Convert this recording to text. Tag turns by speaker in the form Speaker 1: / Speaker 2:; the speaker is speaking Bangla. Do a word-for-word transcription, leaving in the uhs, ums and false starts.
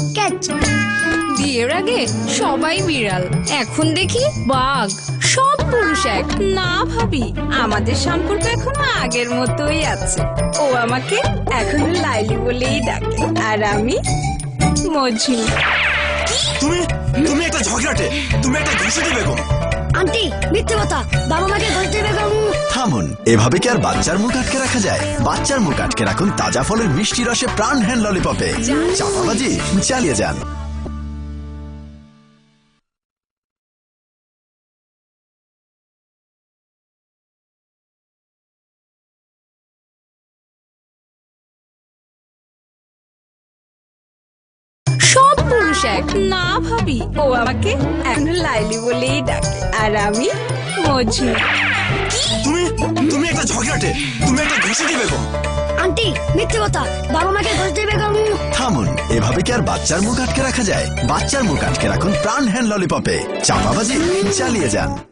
Speaker 1: ক্যাচ।
Speaker 2: বিয়ের আগে সবাই বিড়াল, এখন দেখি বাঘ। সব পুরুষ এক।
Speaker 3: না ভাবি, আমাদের সম্পর্ক এখনো আগের মতোই আছে। ও আমাকে এখনো লাইলি বলেই ডাকে, আর আমি মজু।
Speaker 4: তুমি তুমি একটা ঝগড়াটে, তুমি একটা ঘুষেটি বেগম।
Speaker 1: আন্টি মিথ্যে কথা, বাবা মাকে ঘুষ দেবে কেন?
Speaker 5: থামুন, এভাবে কি আর বাচ্চার মুখ আটকে রাখা যায়? বাচ্চার মুখ আটকে রাখুন তাজা ফলের মিষ্টি রসে প্রাণ হ্যান্ড ললিপপে। চাপাবাজি চালিয়ে যান।
Speaker 2: সব পুরুষ এক।
Speaker 3: না ভাবি, ও আমাকে এখনো লাইলি বলেই ডাকে, আর আমি মজু।
Speaker 4: তুমি তুমি একটা ঝগড়াটে, তুমি একটা ঘুষেটি বেগম।
Speaker 1: আন্টি মিথ্যে কথা, বাবা মাকে ঘুষ দেবে কেন?
Speaker 5: থামুন, এভাবে কি আর বাচ্চার মুখ আটকে রাখা যায়? বাচ্চার মুখ আটকে রাখুন প্রাণ হ্যান্ড ললিপপে। চাপাবাজি চালিয়ে যান।